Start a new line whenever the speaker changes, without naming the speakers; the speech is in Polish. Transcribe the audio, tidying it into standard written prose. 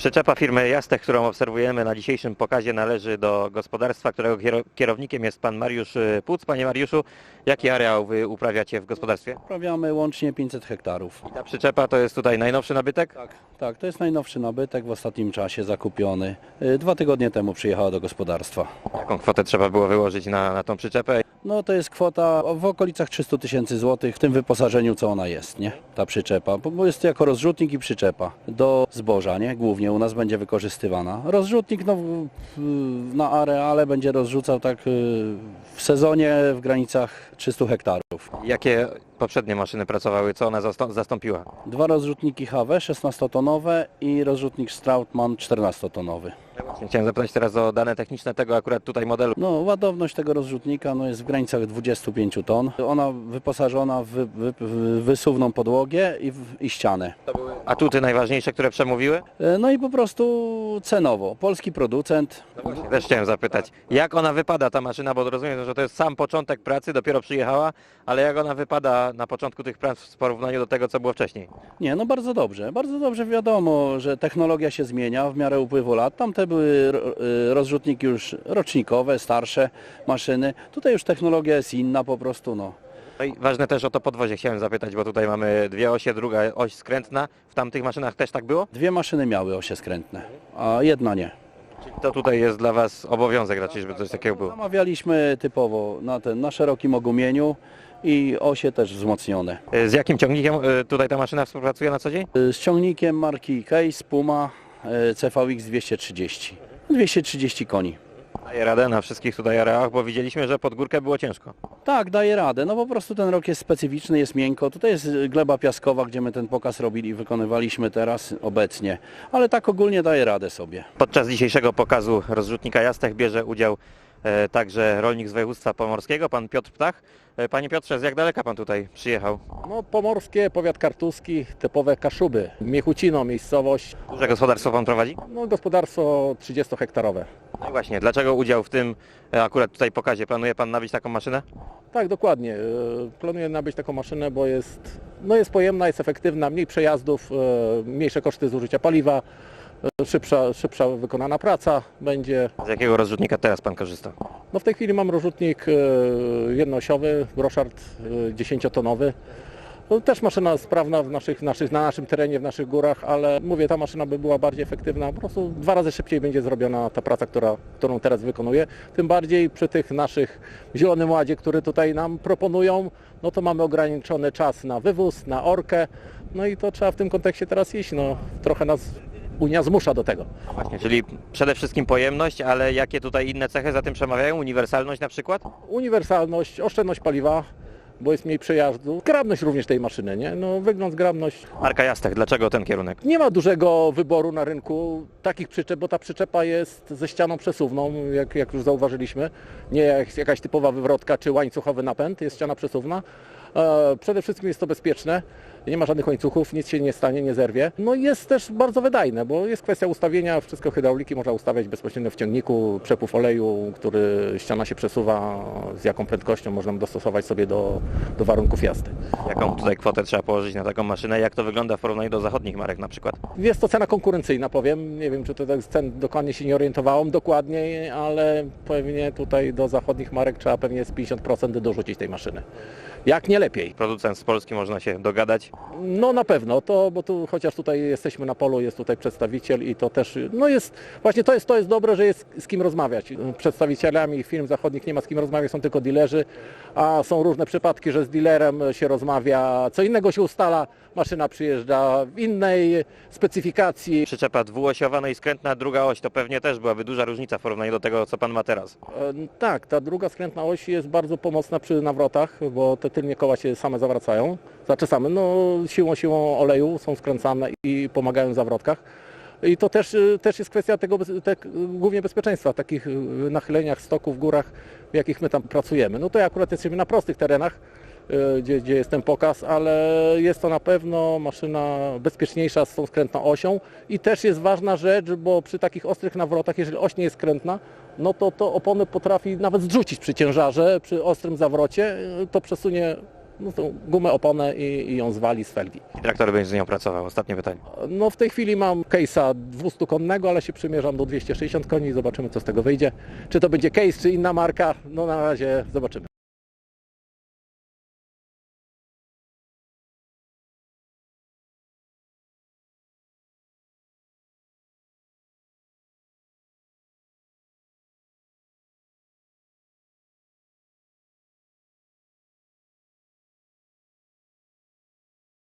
Przyczepa firmy Jastech, którą obserwujemy na dzisiejszym pokazie, należy do gospodarstwa, którego kierownikiem jest pan Mariusz Puc. Panie Mariuszu, jaki areał wy uprawiacie w gospodarstwie?
Uprawiamy łącznie 500 hektarów.
Ta przyczepa to jest tutaj najnowszy nabytek?
Tak, to jest najnowszy nabytek w ostatnim czasie zakupiony. 2 tygodnie temu przyjechała do gospodarstwa.
Jaką kwotę trzeba było wyłożyć na tą przyczepę?
No to jest kwota w okolicach 300 000 złotych w tym wyposażeniu, co ona jest, nie? Ta przyczepa, bo jest to jako rozrzutnik i przyczepa do zboża, nie? Głównie u nas będzie wykorzystywana. Rozrzutnik na areale będzie rozrzucał tak w sezonie w granicach 300 hektarów.
Jakie poprzednie maszyny pracowały? Co ona zastąpiła?
2 rozrzutniki HW 16-tonowe i rozrzutnik Strautmann 14-tonowy.
Chciałem zapytać teraz o dane techniczne tego akurat tutaj modelu.
No, ładowność tego rozrzutnika jest w granicach 25 ton. Ona wyposażona w wysuwną podłogę i ścianę.
Atuty najważniejsze, które przemówiły?
No i po prostu cenowo. Polski producent.
No właśnie, też chciałem zapytać, jak ona wypada ta maszyna, bo rozumiem, że to jest sam początek pracy, dopiero przyjechała, ale jak ona wypada na początku tych prac w porównaniu do tego, co było wcześniej?
Nie, no bardzo dobrze. Bardzo dobrze, wiadomo, że technologia się zmienia w miarę upływu lat. Tamte były rozrzutniki już rocznikowe, starsze maszyny. Tutaj już technologia jest inna po prostu, no.
No i ważne też o to podwozie chciałem zapytać, bo tutaj mamy 2 osie, druga oś skrętna. W tamtych maszynach też tak było?
2 maszyny miały osie skrętne, a jedna nie.
Czyli to tutaj jest dla Was obowiązek raczej, żeby coś takiego było?
Zamawialiśmy typowo na szerokim ogumieniu i osie też wzmocnione.
Z jakim ciągnikiem tutaj ta maszyna współpracuje na co dzień?
Z ciągnikiem marki Case Puma CVX 230. 230 koni.
Daje radę na wszystkich tutaj areałach, bo widzieliśmy, że pod górkę było ciężko.
Tak, daje radę. No po prostu ten rok jest specyficzny, jest miękko. Tutaj jest gleba piaskowa, gdzie my ten pokaz robili i wykonywaliśmy teraz obecnie. Ale tak ogólnie daje radę sobie.
Podczas dzisiejszego pokazu rozrzutnika Jastech bierze udział także rolnik z województwa pomorskiego, pan Piotr Ptach. Panie Piotrze, z jak daleka pan tutaj przyjechał?
No, pomorskie, powiat kartuski, typowe Kaszuby, Miechucino, miejscowość,
Duże gospodarstwo pan prowadzi?
no, gospodarstwo 30-hektarowe.
No i właśnie, dlaczego udział w tym akurat tutaj pokazie? Planuje pan nabyć taką maszynę?
Tak, dokładnie. Planuję nabyć taką maszynę, bo jest pojemna, jest efektywna, mniej przejazdów, mniejsze koszty zużycia paliwa, szybsza wykonana praca będzie.
Z jakiego rozrzutnika teraz pan korzysta?
No, w tej chwili mam rozrzutnik jednoosiowy, Groszard 10-tonowy. No, też maszyna sprawna na naszym terenie, w naszych górach, ale mówię, ta maszyna by była bardziej efektywna. Po prostu 2 razy szybciej będzie zrobiona ta praca, którą teraz wykonuję. Tym bardziej przy tych naszych Zielonym Ładzie, który tutaj nam proponują, no to mamy ograniczony czas na wywóz, na orkę. No i to trzeba w tym kontekście teraz iść. No, trochę nas Unia zmusza do tego.
Właśnie, czyli przede wszystkim pojemność, ale jakie tutaj inne cechy za tym przemawiają? Uniwersalność na przykład?
Uniwersalność, oszczędność paliwa, bo jest mniej przejazdu. Zgrabność również tej maszyny, nie? No, wygląd, zgrabność.
Marka Jastech, dlaczego ten kierunek?
Nie ma dużego wyboru na rynku takich przyczep, bo ta przyczepa jest ze ścianą przesuwną, jak już zauważyliśmy. Nie jak jakaś typowa wywrotka czy łańcuchowy napęd, jest ściana przesuwna. Przede wszystkim jest to bezpieczne, nie ma żadnych łańcuchów, nic się nie stanie, nie zerwie. No i jest też bardzo wydajne, bo jest kwestia ustawienia, wszystko hydrauliki można ustawiać bezpośrednio w ciągniku, przepływ oleju, który ściana się przesuwa, z jaką prędkością można dostosować sobie do warunków jazdy.
Jaką tutaj kwotę trzeba położyć na taką maszynę? Jak to wygląda w porównaniu do zachodnich marek na przykład?
Jest to cena konkurencyjna, powiem. Nie wiem, czy tutaj z cen dokładnie się nie orientowałem dokładniej, ale pewnie tutaj do zachodnich marek trzeba pewnie z 50% dorzucić tej maszyny. Jak nie lepiej.
Producent z Polski, można się dogadać.
No na pewno, bo tu chociaż tutaj jesteśmy na polu, jest tutaj przedstawiciel i to też, no jest, właśnie to jest dobre, że jest z kim rozmawiać. Przedstawicielami firm zachodnich nie ma z kim rozmawiać, są tylko dealerzy, a są różne przypadki, że z dealerem się rozmawia, co innego się ustala, maszyna przyjeżdża w innej specyfikacji.
Przyczepa dwuosiowa, no i skrętna druga oś, to pewnie też byłaby duża różnica w porównaniu do tego, co pan ma teraz.
Tak, ta druga skrętna oś jest bardzo pomocna przy nawrotach, bo te tylnie koła się same zawracają. Znaczy same, no siłą oleju są skręcane i pomagają w zawrotkach. I to też jest kwestia tego, głównie bezpieczeństwa, w takich nachyleniach stoków, w górach, w jakich my tam pracujemy. No to akurat jesteśmy na prostych terenach, gdzie jest ten pokaz, ale jest to na pewno maszyna bezpieczniejsza z tą skrętną osią i też jest ważna rzecz, bo przy takich ostrych nawrotach, jeżeli oś nie jest skrętna, no to opony potrafi nawet zrzucić przy ciężarze, przy ostrym zawrocie, to przesunie no tą gumę, oponę i ją zwali z felgi.
I traktor będzie z nią pracował. Ostatnie pytanie.
No w tej chwili mam case'a 200-konnego, ale się przymierzam do 260 koni i zobaczymy, co z tego wyjdzie. Czy to będzie case, czy inna marka, no na razie zobaczymy.